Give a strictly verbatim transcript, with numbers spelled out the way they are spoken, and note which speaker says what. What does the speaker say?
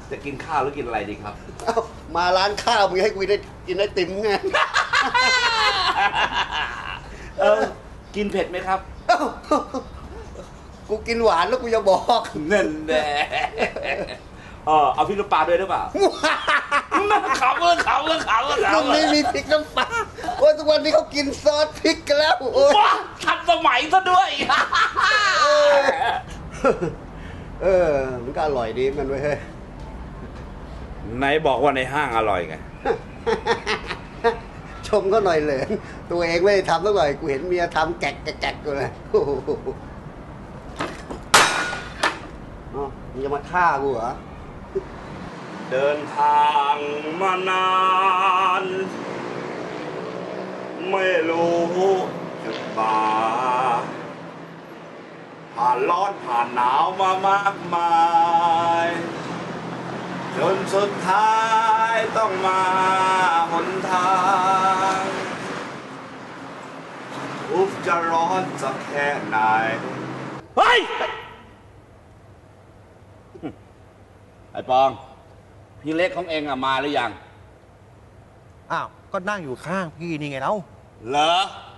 Speaker 1: จะกินข้าวหรือกินอะไรดีครับ
Speaker 2: เอ้ามาร้านข้าวมึงให้กูได้กินไอติมไง
Speaker 1: เออ กินเผ็ดไหมครับ
Speaker 2: เอ้ากูกินหวานแล้วกูจะบอก
Speaker 1: เน่นแน่เออเอาพริกน้ำปลาด้วยหรือเปล่าขำเออขำเออขำเออขำ
Speaker 2: มึงไม่มีพริกน้ำปลาโอ้ยทุกวันนี้เขากินซอสพริกกันแล้วโอ้ย
Speaker 1: ว้าทันสมัยซะด้วย
Speaker 2: เออมันก็อร่อยดีมันเว้ยเฮ้ย
Speaker 1: ไหนบอกว่าในห้างอร่อยไง
Speaker 2: ชมเขาหน่อยเลยตัวเองไม่ได้ทำสักหน่อยกูเห็นเมียทำแกะแกะแกะกูเลยโอ้โหอ๋อมึงจะมาฆ่ากูเหรอ
Speaker 1: เดินทางมานาน ไม่รู้จุดหมายผ่านร้อนผ่านหนาวมามากมาย จนสุดท้ายต้องมาหนทางทุกข์จะร้อนสักแค่ไหน เฮ้ย ไอ้ปอง พี่เล็กของเองอะมาหรือยัง
Speaker 3: อ้าว ก็นั่งอยู่ข้างพี่นี่ไงเล่า
Speaker 1: เหรอ